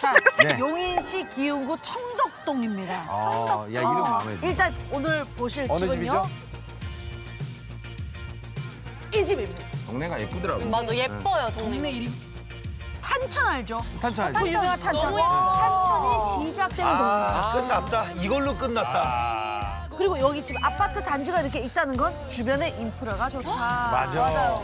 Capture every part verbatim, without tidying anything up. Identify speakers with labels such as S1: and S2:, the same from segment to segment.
S1: 자,
S2: 네.
S1: 용인시 기흥구 청덕동입니다.
S2: 아, 야 이름 마음에 들어.
S1: 일단 오늘 보실
S2: 어느
S1: 집은요.
S2: 집이죠?
S1: 이 집입니다.
S3: 동네가 예쁘더라고.
S4: 맞아, 예뻐요, 동네.
S1: 탄천 알죠?
S2: 탄천
S1: 그
S2: 알죠?
S1: 유명한 탄천.
S4: 너무 예뻐.
S1: 탄천이 시작되는 동네.
S5: 끝났다. 이걸로 끝났다.
S1: 그리고 여기 지금 아파트 단지가 이렇게 있다는 건 주변에 인프라가 좋다.
S2: 맞아.
S1: 맞아요.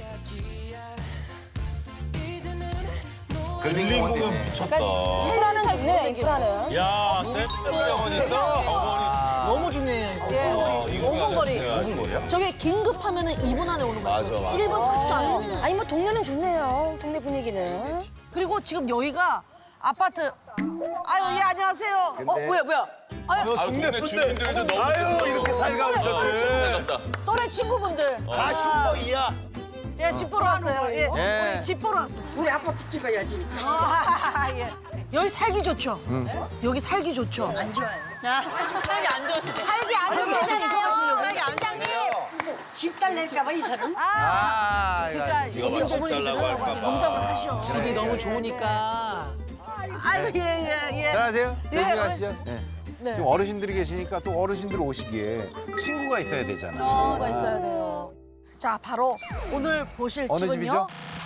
S5: 릴링공은 미쳤다.
S6: 인프라는 좋네요, 인프라는.
S5: 야, 센터병원 있죠?
S6: 너무 중요해요, 이거.
S1: 오분 거리.
S5: 무슨 거리야?
S6: 저게 긴급하면은 이 분 안에 오는 거죠.
S5: 맞아, 맞아.
S6: 일 분 삼십 초 안에 오는 거. 아니, 뭐 동네는 좋네요, 동네 분위기는.
S1: 그리고 지금 여기가 아파트. 아유, 예, 안녕하세요. 어, 뭐야, 뭐야. 아유,
S5: 동네 주민들도 너무 아유, 이렇게 살가우셨네.
S1: 또래 친구분들.
S5: 다 슈퍼이야.
S1: 예, 집 보러 왔어요. 예,
S2: 예.
S1: 우리 집 보러 왔어요.
S6: 우리 아파트 찍어야지.
S1: 아, 예. 여기 살기 좋죠? 여기 살기 좋죠? 안 좋아요.
S4: 살기 안 좋으시대.
S1: 살기 안 좋잖아요.
S4: 살기 안 좋으시대요.
S6: 집 달래니까 이 사람.
S1: 아, 그러니까
S5: 네가 막 집 달라고 할까 봐.
S1: 농담을 하셔.
S7: 집이 너무 좋으니까.
S1: 아유, 예, 예, 예.
S2: 안녕하세요.
S1: 예,
S2: 조심히
S1: 네.
S2: 가시죠. 네. 지금 어르신들이 계시니까 또 어르신들 오시기에 친구가 있어야 되잖아.
S1: 친구가 있어야 돼요. 자, 바로 오늘 보실
S2: 어느
S1: 집은요.
S2: 집이죠?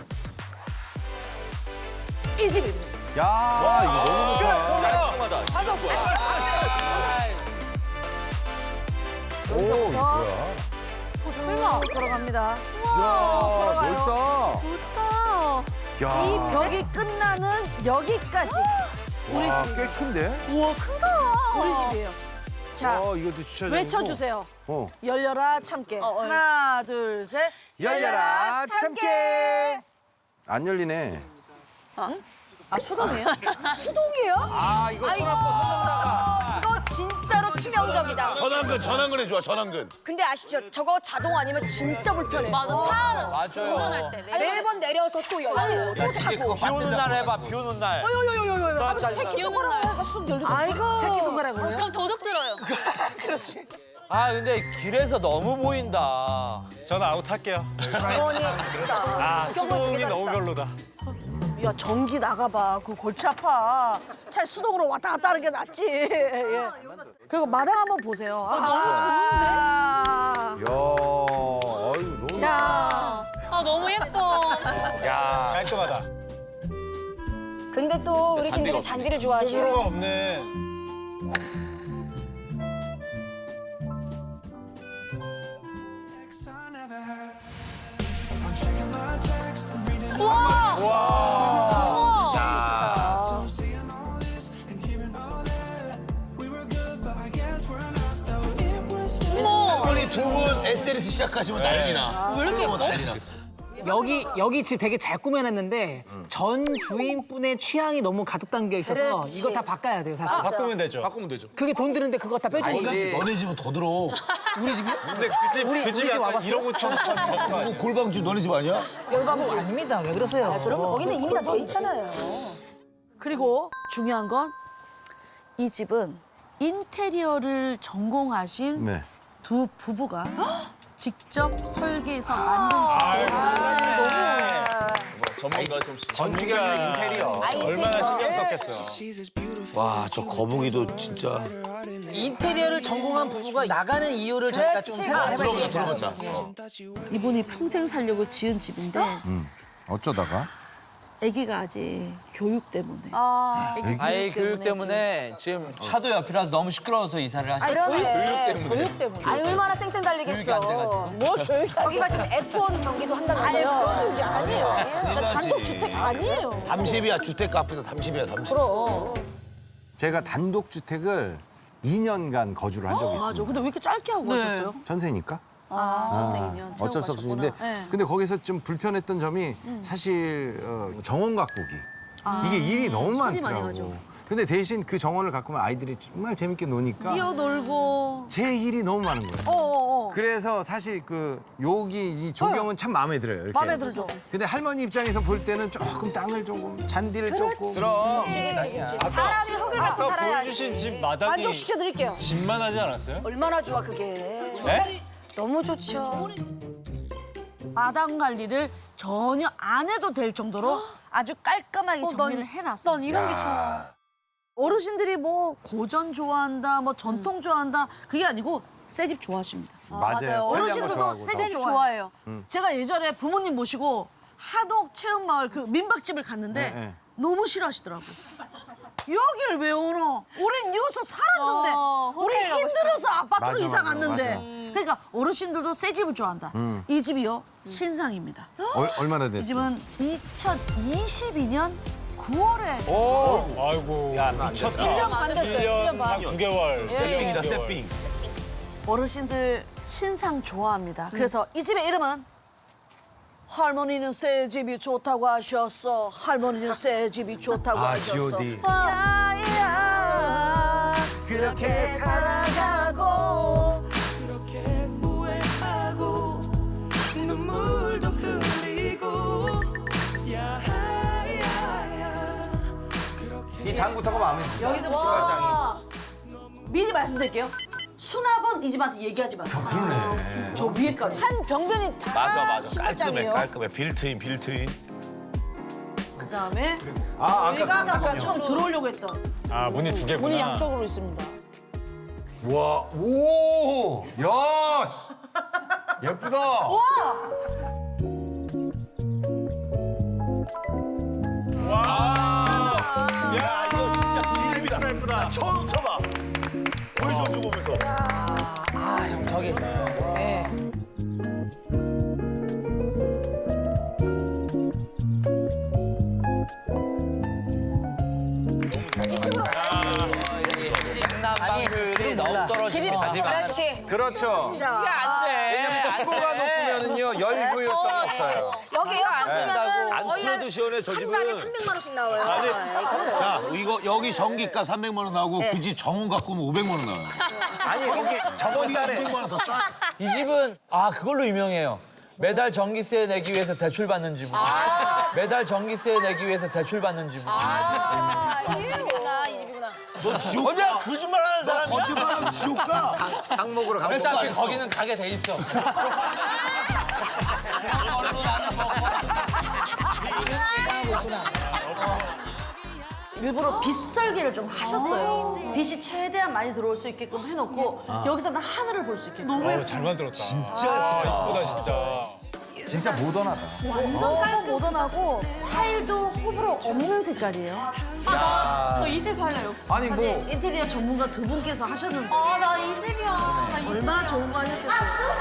S1: 이 집입니다.
S2: 야, 이거 너무 좋다.
S1: 반갑습니다.
S2: 오, 이거 뭐야?
S1: 설마 걸어갑니다.
S2: 이야, 넓다.
S1: 좋다.
S2: 야,
S1: 이 벽이 끝나는 여기까지 우리
S2: 와,
S1: 집.
S2: 꽤 큰데?
S1: 우와, 크다. 우리 집이에요. 자,
S2: 어, 이것도 주차장.
S1: 외쳐주세요.
S2: 어.
S1: 열려라 참깨. 하나, 둘, 셋.
S2: 열려라 참깨. 안 열리네.
S1: 아, 수동이에요? 수동이에요?
S2: 아, 이거 손 아파 손
S6: 이거 진짜로 치명적이다.
S5: 전환근, 전환근에 좋아, 전환근.
S6: 근데 아시죠? 저거 자동 아니면 진짜 불편해.
S4: 맞아, 차 운전할 때. 네.
S6: 매번 내려서 또 열고 또 타고.
S5: 비 오는 날 해봐, 비 오는 날.
S1: 새끼 손가락으로 쑥 열리고.
S6: 아이고. 새끼 손가락으로요?
S4: 그럼 도둑 들어요.
S8: 아 근데 길에서 너무 보인다.
S9: 저는 아웃할게요. 아 수동이 너무 별로다.
S1: 야, 전기 나가봐. 그 골치 아파. 차라리 수동으로 왔다 갔다 하는 게 낫지. 예. 그리고 마당 한번 보세요. 아, 너무 좋은데?
S2: 야, 아유, 너무.
S1: 야.
S4: 아, 너무 예뻐.
S9: 야 깔끔하다.
S6: 근데 또 어르신들이 잔디를 좋아하시고.
S9: 호불호가 없네.
S5: 빨리 두 분 에스엔에스 시작하시면 난리나. 왜 이렇게 난리나.
S7: 여기 여기 집 되게 잘 꾸며놨는데 전 주인분의 취향이 너무 가득 담겨 있어서
S6: 그렇지.
S7: 이거 다 바꿔야 돼요 사실.
S9: 바꾸면 되죠.
S5: 바꾸면 되죠.
S7: 그게 돈 드는데 그거 다 빼주니까.
S5: 너네 집은 더 들어.
S7: 우리 집이요?
S9: 근데 그 집
S7: 우리-
S9: 그
S7: 우리
S9: 집이
S7: 집
S9: 약간
S7: 와봤어요?
S9: 일억 오천 원.
S5: 누구 골방집 너네 집 아니야?
S7: 열감지 아닙니다. 왜 그러세요?
S6: 그럼 거기는 이미 다 돼 있잖아요.
S1: 그리고 중요한 건 이 집은 인테리어를 전공하신
S2: 네.
S1: 두 부부가 직접 설계해서 만든 집이에요.
S5: 전문가 좀.
S9: 건축이나 인테리어. 얼마나 신경 썼겠어.
S5: 와, 저 거북이도 진짜.
S7: 인테리어를 전공한 부부가 나가는 이유를 저희가 좀 생각해봐야지.
S5: 들어보자.
S1: 이분이 평생 살려고 지은 집인데
S2: 어쩌다가?
S1: 아기가 아직 교육 때문에.
S8: 아이 교육 때문에 지금 차도 옆이라서 너무 시끄러워서 이사를 하시.
S6: 그러네. 교육 때문에. 아니, 얼마나 쌩쌩 달리겠어.
S1: 뭐 교육이
S6: 저기가 지금 에프 원 경기도
S1: 아니,
S6: 한다면서요.
S1: 그런 게 아니에요. 저 단독 주택 아니에요.
S5: 삼십이야, 주택가 앞에서 삼십이야, 삼십.
S1: 그럼.
S2: 제가 단독주택을 이 년간 거주를 한 적이 있습니다.
S1: 맞아. 근데 왜 이렇게 짧게 하고 가셨어요?
S2: 전세니까.
S1: 아, 전생이년.
S2: 어쩔 수 없었는데 근데 거기서 좀 불편했던 점이 사실 어, 정원 가꾸기 이게 일이 너무
S1: 손이 많이
S2: 많더라고.
S1: 가죠.
S2: 근데 대신 그 정원을 가꾸면 아이들이 정말 재밌게 노니까
S1: 뛰어놀고.
S2: 제 일이 너무 많은 거예요.
S1: 어어어.
S2: 그래서 사실 그 여기 이 조경은 참 마음에 들어요. 이렇게.
S1: 마음에 들죠.
S2: 근데 할머니 입장에서 볼 때는 조금 땅을 조금 잔디를 조금
S9: 그럼
S6: 사람이 흙을 갖고
S9: 아까
S6: 살아야지.
S9: 보여주신 집 마당이
S6: 만족시켜드릴게요.
S9: 집만 하지 않았어요?
S6: 얼마나 좋아, 그게.
S9: 네?
S6: 너무 좋죠.
S1: 마당 관리를 전혀 안 해도 될 정도로 아주 깔끔하게 정리를 해놨어.
S4: 난 이런 게 좋아.
S1: 어르신들이 뭐 고전 좋아한다, 뭐 전통 좋아한다 그게 아니고 새 집 좋아하십니다.
S2: 맞아요.
S1: 어르신들도 새 집 좋아해요. 제가 예전에 부모님 모시고 하동 체험마을 그 민박집을 갔는데
S2: 네, 네.
S1: 너무 싫어하시더라고. 여기를 왜 오노? 우린 여기서 살았는데
S4: 어,
S1: 우리
S4: 호텔 가고
S1: 힘들어서 아파트로
S2: 맞아,
S1: 이사
S2: 맞아,
S1: 갔는데
S2: 맞아.
S1: 그러니까 어르신들도 새 집을 좋아한다. 이 집이요 신상입니다.
S2: 얼, 얼마나 됐어?
S1: 이 집은 이천이십이 년 구월에
S9: 오, 아이고.
S5: 야 미쳤다.
S6: 일 년 반 됐어요. 일 년 반.
S9: 구 개월.
S5: 세빙이다 세빙.
S1: 어르신들 신상 좋아합니다. 그래서 이 집의 이름은 할머니는 새 집이 좋다고 하셨어. 할머니는 새 집이 좋다고
S2: 아,
S1: 하셨어.
S2: 지오디.
S1: 야야 그렇게 살아가고
S2: 이 장부터가 마음에 들어.
S1: 여기서부터 미리 말씀드릴게요. 수납은 이 집한테 얘기하지 마세요.
S2: 그러네.
S1: 저 위에까지. 한 병변이 다
S5: 맞아 맞아. 깔끔해
S1: 신발장이에요.
S5: 깔끔해. 빌트인 빌트인.
S1: 그다음에
S2: 아,
S1: 여기가
S2: 아까
S1: 아까 처음 들어오려고 했던
S9: 아, 문이 두 개구나.
S1: 문이 양쪽으로 있습니다.
S2: 와, 오, 야, 씨. 예쁘다.
S5: 야 이거 진짜 비립이다. 예쁘다. 처음 쳐봐. 보여줘 보면서.
S7: 아, 형 저기. 예.
S8: 장난방들이 너무 떨어지고.
S6: 그렇지.
S2: 그렇죠.
S8: 이게 안 돼.
S2: 왜냐면 폭포가 높으면은요 열 부유성이 없어요.
S6: 여기 에어컨이면은
S5: 안
S6: 거의
S5: 틀어도 시원해 저
S6: 한 달에
S5: 집은.
S6: 삼백만 원씩 나와요.
S5: 자 이거 여기 전기값 삼백만 원 나오고 그 집 정원 갖고 오면 오백만 원 나와요.
S2: 아니 거기 저번 달에
S5: 오백만 원 더 싸.
S8: 이 집은 아 그걸로 유명해요. 매달 전기세 내기 위해서 대출 받는 집은. 매달 전기세 내기 위해서 대출 받는 집은.
S6: 아, 이 집이구나, 이 집이구나.
S5: 너 지옥 가.
S8: 거짓말하는
S5: 너 거짓말하면 지옥 가.
S2: 항목으로 가.
S8: 어차피 거기는 가게 돼 있어.
S1: 일부러 빗 설계를 좀 하셨어요. 빛이 최대한 많이 들어올 수 있게끔 해놓고 여기서는 하늘을 볼 수 있게끔.
S9: 어, 잘 만들었다. 진짜 예쁘다, 진짜.
S2: 진짜 모던하다.
S1: 완전 깔끔 모던하고 타일도 호불호 없는 색깔이에요.
S4: 저 이 집 할래요.
S2: 아니 뭐
S1: 인테리어 전문가 두 분께서 하셨는데
S4: 아, 나 이 집이야. 나 이 집.
S1: 얼마나 좋은 거 하셨겠어요.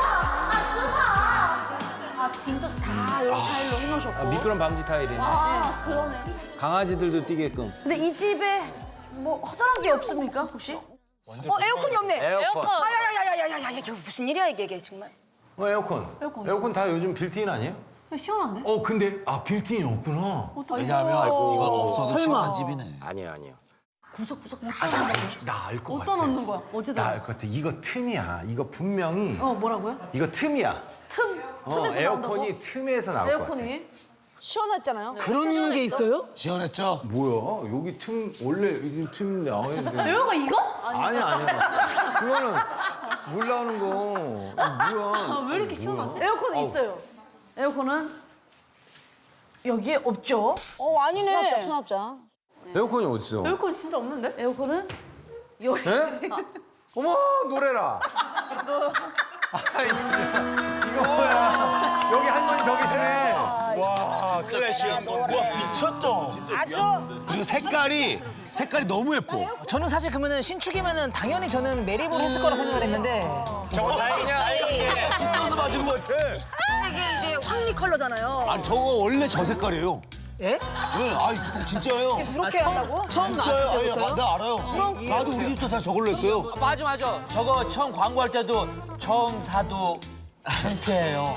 S4: 아, 진짜 좋다.
S1: 다 이런 타일로 해놓으셨고.
S2: 미끄럼 방지 타일이네.
S4: 아, 그러네.
S2: 강아지들도 뛰게끔.
S1: 근데 이 집에 뭐 허전한 게 없습니까 혹시?
S6: 어, 에어컨이 없네.
S2: 에어컨.
S6: 아야야야야야야, 이게 무슨 일이야 이게, 이게 정말.
S2: 어, 에어컨. 에어컨. 다 요즘 빌트인 아니에요?
S4: 시원한데?
S2: 어 근데 아 빌트인이 없구나.
S5: 왜냐하면 이건 없어도 시원한 집이네.
S2: 아니야 아니야.
S1: 구석구석 다
S2: 나 알 것 같아.
S4: 어디다 넣는 거야?
S1: 어디다?
S2: 나 알 것 같아. 이거 틈이야. 이거 분명히
S1: 어 뭐라고요?
S2: 이거 틈이야.
S1: 틈
S2: 어,
S1: 틈에서 나온다고?
S2: 에어컨이 틈에서 나올 것 같아.
S1: 에어컨이
S6: 시원했잖아요.
S7: 그런 게 있어요?
S5: 시원했죠?
S2: 뭐야? 여기 틈 원래 이 틈 나와야 되는데.
S4: 에어가 이거?
S2: 아니야 아니야. 그거는 물 나오는 거. 이거 뭐야?
S4: 아, 왜 이렇게 시원하지?
S1: 에어컨이 있어요. 에어컨은 여기에 없죠.
S6: 어, 아니네.
S1: 수납장 수납장.
S2: 에어컨이 어딨어?
S4: 에어컨 진짜 없는데?
S1: 에어컨은 여기.
S2: 에? 어머 노래라. 아이 이거 뭐야? 여기 할머니 더 계시네.
S5: 와 클래식한 거. 와 미쳤다.
S6: 아주.
S5: 그리고 색깔이 색깔이 너무 예뻐.
S7: 저는 사실 그러면은 신축이면은 당연히 저는 매립을 했을 거라 생각을 했는데
S2: 저거 다행이냐?
S5: 서 맞은 것 같아.
S6: 이게 이제 황리 컬러잖아요.
S5: 아니 저거 원래 저 색깔이에요.
S7: 예?
S5: 네, 아니 진짜예요.
S6: 그렇게 한다고?
S7: 처음
S5: 진짜요?
S7: 나왔을
S5: 아니,
S7: 때부터요?
S5: 나 알아요. 나도 우리 집도 다 저걸로 했어요.
S8: 맞아 맞아. 저거 처음 광고할 때도 처음 사도 창피해요.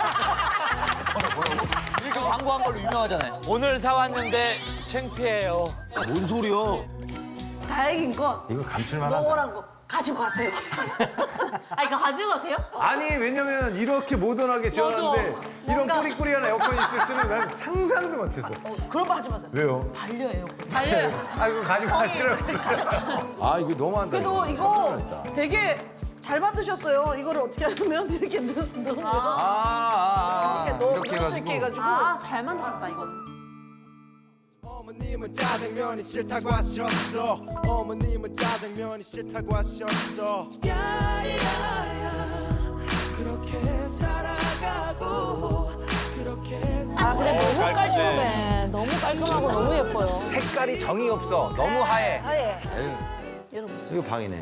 S8: 이렇게 광고한 걸로 유명하잖아요. 오늘 사왔는데 창피해요.
S5: 뭔 소리야?
S1: 다행인 건
S2: 이거 감출만하다.
S1: 노란 거 가지고 가세요.
S4: 아, 이거 가지고 가세요?
S2: 아니 왜냐면 이렇게 모던하게 지어놨는데 이런
S1: 뭔가-
S2: 꾸리꾸리한 에어컨이 있을 줄은 난 상상도 못했어.
S1: 그런 거 하지 마세요.
S2: 왜요?
S1: 반려 에어컨.
S4: 달려요.
S2: 아 이거 가지고 가시라고. 아 이거 너무한다.
S1: 그래도
S2: 이거.
S1: 이거 되게 잘 만드셨어요. 이거를 어떻게 하냐면 이렇게 넣, 넣으면
S2: 아, 아, 아,
S1: 이렇게 넣,
S2: 이렇게
S1: 넣을 수 있게
S2: 해가지고.
S1: 해가지고
S4: 아, 잘 만드셨다, 이거.
S3: 어머님은 짜장면이 싫다고 하셨어. 어머님은 짜장면이 싫다고 하셨어.
S1: 아 근데 너무 깔끔해. 너무 깔끔하고 너무 예뻐요.
S2: 색깔이 정이 없어. 너무 하얘.
S6: 하얘.
S1: 열어보세요.
S2: 이거 방이네.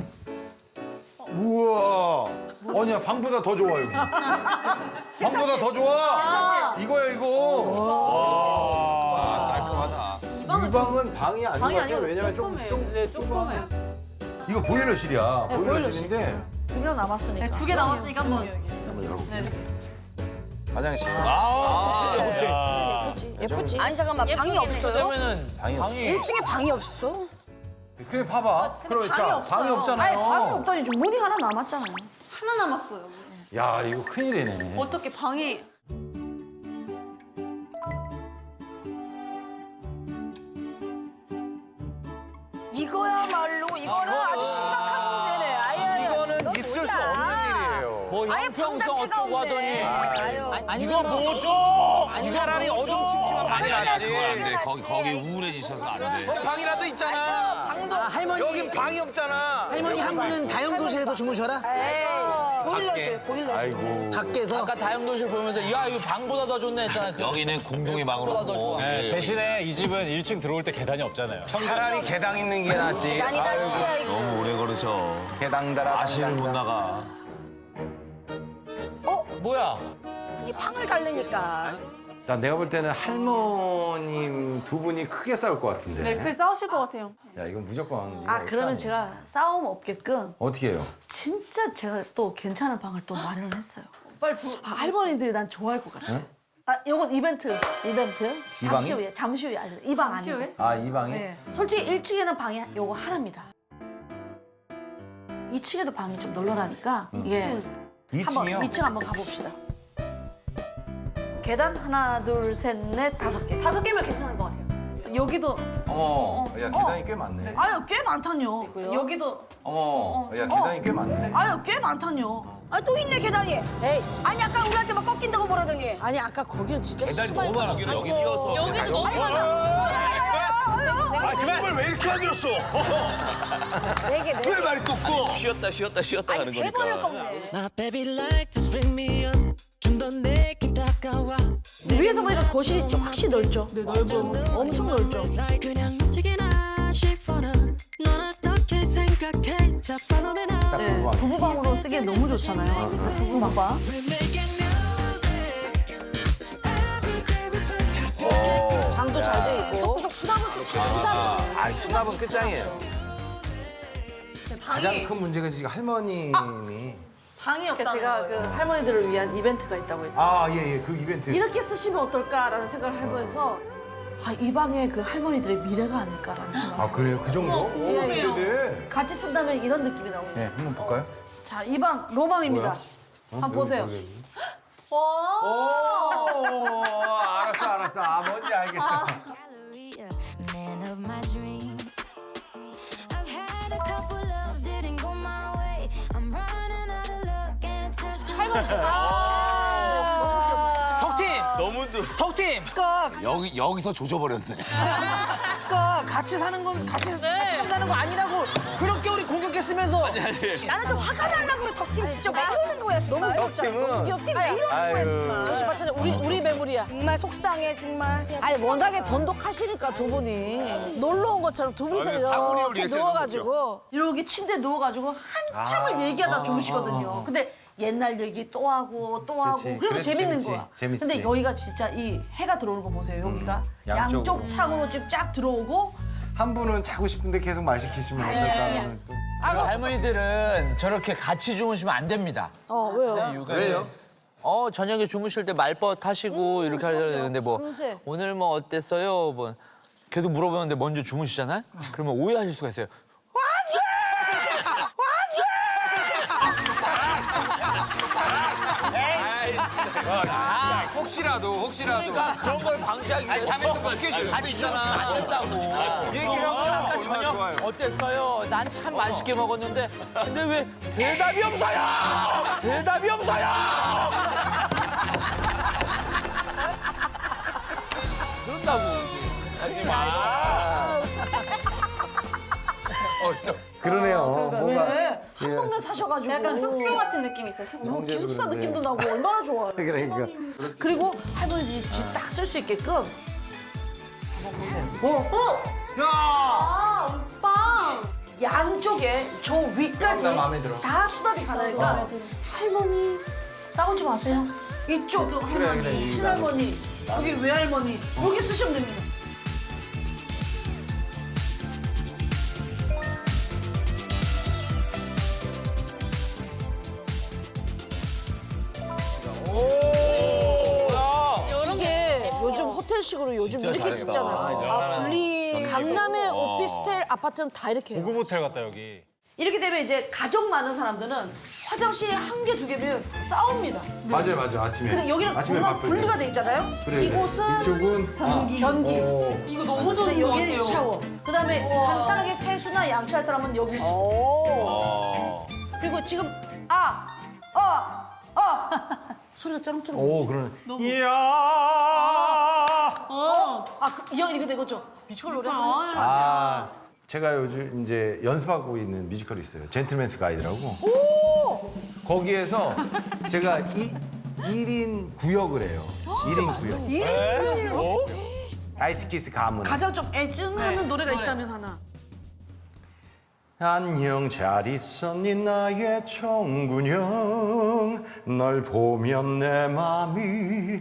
S2: 우와. 아니야, 방보다 더 좋아, 여기. 방보다 더 좋아. 이거야, 이거.
S5: 깔끔하다.
S2: 이 방은 방이 아닌 것
S4: 방이
S2: 같아요.
S4: 아니고
S2: 왜냐면 좀,
S4: 조그매.
S2: 좀.
S4: 네, 조그매.
S2: 이거 보일러실이야.
S1: 네,
S2: 보일러실인데.
S1: 두 개 남았으니까.
S4: 네, 두 개 남았으니까 한번.
S2: 한번 열어볼게요. 화장실.
S5: 아,
S6: 예쁘지. 예쁘지. 아니 잠깐만 방이 없어요?
S8: 그러면은
S2: 방이
S8: 방이
S6: 일 층에 방이 없어?
S2: 그래, 봐봐. 그렇죠.
S4: 방이 없어요.
S2: 방이 없잖아요.
S1: 아니 방이 없다니 좀 문이 하나 남았잖아요.
S4: 하나 남았어요.
S2: 야, 이거 큰일이네.
S4: 어떻게 방이
S6: 이거야말로 이거는 아주 심각한 문제네. 아예
S2: 이거는 있을 수 없는 일이에요.
S8: 뭐
S6: 아예
S8: 형평성
S6: 방자체가
S8: 어쩌고 하더니
S6: 없네. 아유.
S8: 이거 뭐죠?
S2: 차라리 어둠침침한 방이 낫지.
S5: 안 돼. 거기 거기 우울해지셔서 안 돼.
S2: 어, 방이라도 있잖아.
S6: 방도
S7: 아, 할머니
S2: 여긴 방이 없잖아.
S7: 할머니 한 분은 다용도실에서 주무셔라.
S6: 에이 보일러실 보일러실.
S2: 아이고.
S7: 밖에서.
S8: 아까 다용도실 보면서 야 이거 방보다 더 좋네 했잖아. 그
S5: 여기는 공동의 방으로
S8: 방보다 더
S5: 하고.
S8: 좋아.
S9: 네, 대신에 이 집은 일 층 들어올 때 계단이 없잖아요.
S2: 차라리 계단 있는 게 낫지.
S6: 난이 낫지 아이고.
S5: 너무 오래 걸으셔.
S2: 계단 달아.
S5: 아시를 못 나가.
S8: 뭐야?
S6: 이 방을 달래니까.
S2: 나 내가 볼 때는 할머님 두 분이 크게 싸울 것 같은데.
S4: 네, 크게 싸우실 것 같아요.
S2: 야, 이건 무조건. 이거
S1: 아 그러면
S2: 어떡하니?
S1: 제가 싸움 없게끔
S2: 어떻게 해요?
S1: 진짜 제가 또 괜찮은 방을 또 마련을 했어요.
S4: 빨리 부...
S1: 아, 할머니들이 난 좋아할 것 같아. 아, 요건 이벤트, 이벤트.
S2: 이
S1: 잠시
S2: 방이?
S1: 후에, 잠시 후에 알려. 이 방
S4: 잠시
S1: 아니고.
S4: 후에?
S2: 아, 이 방이?
S1: 네. 솔직히 일 층에는 방이 요거 하나입니다. 이 층에도 방이 좀 널널하니까 이게
S2: 이 층이요?
S1: 한번 이 층 한번 가봅시다. 계단 하나, 둘, 셋, 넷, 다섯 개.
S4: 다섯 개면 괜찮을 것 같아요. 여기도
S2: 어머, 야, 계단이 꽤 많네.
S1: 아유 꽤 많다뇨.
S4: 여기도
S2: 어머, 야, 계단이 꽤 많네.
S1: 아유 꽤 많다뇨.
S6: 아 또 있네 계단이. 에이 아니 아까 우리한테 막 꺾인다고 뭐라더니.
S1: 아니 아까 거기는 진짜
S5: 계단이
S1: 심하게
S5: 너무 많아. 여기 이어서.
S4: 여기도 너무
S5: 아, 그걸 왜 이렇게 만들었어?
S6: 네개 네.
S5: 왜 말이 꺾고? 쉬었다 쉬었다 쉬었다
S6: 아니
S5: 하는
S6: 세
S5: 거니까.
S6: 번을 꺾네.
S10: My baby like to string me on 좀 더 내게 다가와
S1: 위에서 보니까 거실이 좀 확실히 넓죠. 네 넓어. 엄청 넓죠.
S10: 그냥 미치게나 싶어나 넌 어떻게 생각해 자 follow me now
S2: 딱
S1: 네,
S2: 그거
S1: 부부방으로 쓰기엔 너무 좋잖아요. 진짜 부부방.
S10: We're making music Every day we play
S1: 장도 잘 돼 있고.
S6: 구석구석 수납은 또잘 수납.
S2: 아, 수납은 끝장이에요. 가장
S4: 방이
S2: 큰 문제가 지금 할머님이.
S4: 방이
S1: 그러니까
S4: 없다는
S1: 제가 그
S4: 거예요.
S1: 할머니들을 위한 이벤트가 있다고 했죠.
S2: 아, 예, 예, 그 이벤트.
S1: 이렇게 쓰시면 어떨까라는 생각을 해보면서 아, 이 방에 그 할머니들의 미래가 아닐까라는 생각을
S2: 아, 그래요? 그 정도? 오,
S1: 궁금해요.
S2: 기대돼.
S1: 같이 쓴다면 이런 느낌이 나오죠.
S2: 네, 한번 볼까요?
S1: 자, 이 방 로방입니다. 한번 보세요.
S2: 여기, 여기.
S4: 와.
S2: 오, 알았어, 알았어. 아, 뭔지 알겠어.
S10: Galleria, man of my dreams I've had a couple loves didn't go my way I'm running out of luck and turn to
S7: 덕팀!
S5: 너무 좋.
S7: 덕팀! 그러니까,
S5: 여기 여기서 조져버렸네.
S7: 그러니까 같이 사는 건 같이 산다는 거 아니라고 그렇게 우리 공격했으면서
S6: 나는 좀 화가 날라고 그래 덕팀 진짜 왜 이러는 거야 정말.
S1: 너무 귀엽잖아.
S2: 덕팀은-
S6: 귀엽팀 왜 이러는 거야
S2: 아유.
S6: 정말.
S1: 조심 받쳐 우리 우리 매물이야.
S6: 정말 속상해 정말.
S1: 아니 워낙에 돈독하시니까 두 분이 놀러 온 것처럼 두 분이서
S5: 아니, 사분이
S1: 이렇게
S5: 우리
S1: 누워가지고 이렇게 침대에 누워가지고 한참을
S2: 아.
S1: 얘기하다
S2: 아,
S1: 주무시거든요.
S2: 아, 아, 아.
S1: 근데 옛날 얘기 또 하고 또 하고
S2: 그치.
S1: 그래도
S2: 그래도
S1: 재밌는
S2: 재밌지.
S1: 거야.
S2: 재밌지.
S1: 근데 여기가 진짜 이 해가 들어오는 거 보세요. 여기가
S2: 양쪽으로.
S1: 양쪽 창으로 지금 쫙 들어오고
S2: 한 분은 자고 싶은데 계속 말 시키시면 어떨까? 또.
S8: 할머니들은 저렇게 같이 주무시면 안 됩니다.
S1: 어 왜요?
S8: 이유가 왜요? 어 저녁에 주무실 때 말벗 하시고 이렇게 하셔야 되는데 뭐
S1: 밤새.
S8: 오늘 뭐 어땠어요? 뭐 계속 물어보는데 먼저 주무시잖아요. 그러면 오해하실 수가 있어요.
S2: 아, 혹시라도, 혹시라도.
S8: 그러니까 그런 걸 방지하기 위해서
S2: 잠에서 그렇게 쉴 수도
S8: 같이
S2: 있잖아.
S8: 주무시면 안 된다고.
S2: 얘기하고
S8: 아까
S2: 얼마나
S8: 저녁
S2: 좋아요.
S8: 어땠어요? 난 참 맛있게 먹었는데 근데 왜 대답이 없어요? 대답이 없어요? 그런다고.
S5: 하지 마. 어, 좀.
S2: 그러네요. 뭔가
S1: 왜? 한 동네 사셔가지고.
S4: 약간 숙소 같은 느낌이 있어요. 숙소.
S1: 뭐 기숙사
S2: 그런데.
S1: 느낌도 나고 얼마나 좋아요.
S2: 그러니까.
S1: 그리고 할머니 집 딱 쓸 수 있게끔 한번 보세요.
S2: 어? 야!
S1: 아, 오빠! 양쪽에 저 위까지
S2: 나 마음에 들어.
S1: 다 수납이 가능하니까 할머니 싸우지 마세요. 이쪽
S2: 그래,
S1: 할머니,
S2: 그래, 이
S1: 친할머니, 여기 외할머니 여기 쓰시면 됩니다. 이게 요즘 호텔식으로 요즘 이렇게 짓잖아요. 아, 분리 강남의 오피스텔 아파트는 다 이렇게 해요.
S9: 고급 호텔 같다 여기.
S1: 이렇게 되면 이제 가족 많은 사람들은 화장실이 한 개, 두 개면 싸웁니다.
S2: 맞아요, 맞아요. 아침에.
S1: 근데 여기는
S2: 아침에
S1: 공간
S2: 바쁠
S1: 분리가
S2: 때.
S1: 돼 있잖아요.
S2: 그래, 그래.
S1: 이곳은
S2: 이쪽은
S1: 변기. 변기.
S2: 어.
S4: 이거 너무 좋은
S1: 근데
S4: 것
S1: 여기는
S4: 같아요.
S1: 샤워. 그다음에 간단하게 세수나 양치할 사람은 여기 쓰고.
S5: 어.
S1: 그리고 지금 아, 아, 아 소리가 쩌렁쩌렁.
S2: 오, 그러네. 이야!
S1: 아, 그, 이 형 이렇게 되겠죠? 뮤지컬 노래 한번 해주시죠.
S2: 아, 제가 요즘 이제 연습하고 있는 뮤지컬이 있어요. 젠틀맨스 가이드라고. 거기에서 제가 이, 일 인 구역을 해요. 일 인 구역.
S1: 일 인 구역?
S2: 아이스키스 가문.
S1: 가장 좀 애증하는 노래가 있다면 하나.
S2: 안녕 잘 있었니 나의 청군형 널 보면 내 맘이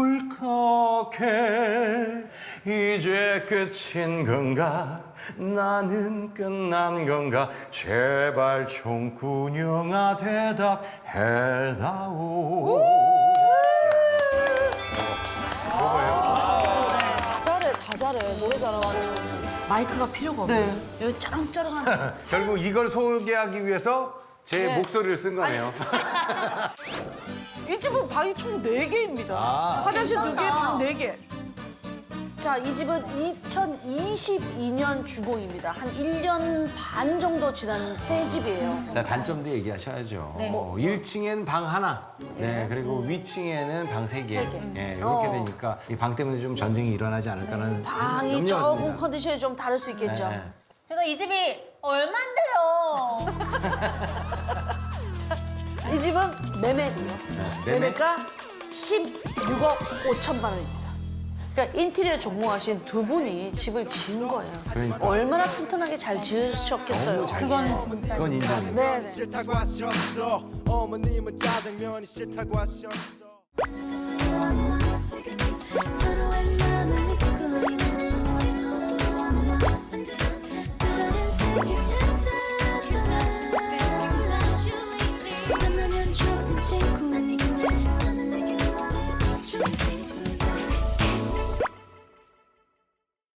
S2: 울컥해 이제 끝인 건가 나는 끝난 건가 제발 청군형아 대답해다오
S1: 다 잘해, 다 잘해. 노래 잘하고. 마이크가 필요가 없네. 여기 쩌렁쩌렁한.
S2: 결국 이걸 소개하기 위해서 제 목소리를 쓴 거네요.
S1: 이 집은 방이 총 네 개입니다. 화장실 두 개, 방 네 개. 자, 이 집은 이천이십이 년 주공입니다. 한 일 년 반 정도 지난 새 집이에요.
S2: 자, 단점도 얘기하셔야죠. 뭐 일 층엔 방 하나, 네, 그리고 위층에는 방 세 개.
S1: 세 개.
S2: 예, 이렇게
S1: 어.
S2: 되니까 이 방 때문에 좀 전쟁이 일어나지 않을까라는
S1: 방이
S2: 염려가
S1: 조금
S2: 듭니다.
S1: 컨디션이 좀 다를 수 있겠죠.
S2: 네.
S4: 그래서 이 집이 얼만데요?
S1: 이 집은 매매고요.
S2: 매매?
S1: 매매가 십육억 오천만 원입니다. 그러니까 인테리어 전공하신 두 분이 집을 지은 거예요.
S2: 그러니까.
S1: 얼마나 튼튼하게 잘 지으셨겠어요.
S2: 너무 잘
S4: 그건 진짜.
S2: 그건 인정입니다.
S1: 네네.
S3: 싫다고 하셨어. 어머님은 짜장면이 싫다고 하셨어.
S10: 지금 이 서로의 마음을 잊고 있는 새로운 꿈을 만들어 또 다른 세계 찾아가 만나면 좋은 친구 근데 너는 내게 어때 좋은 친구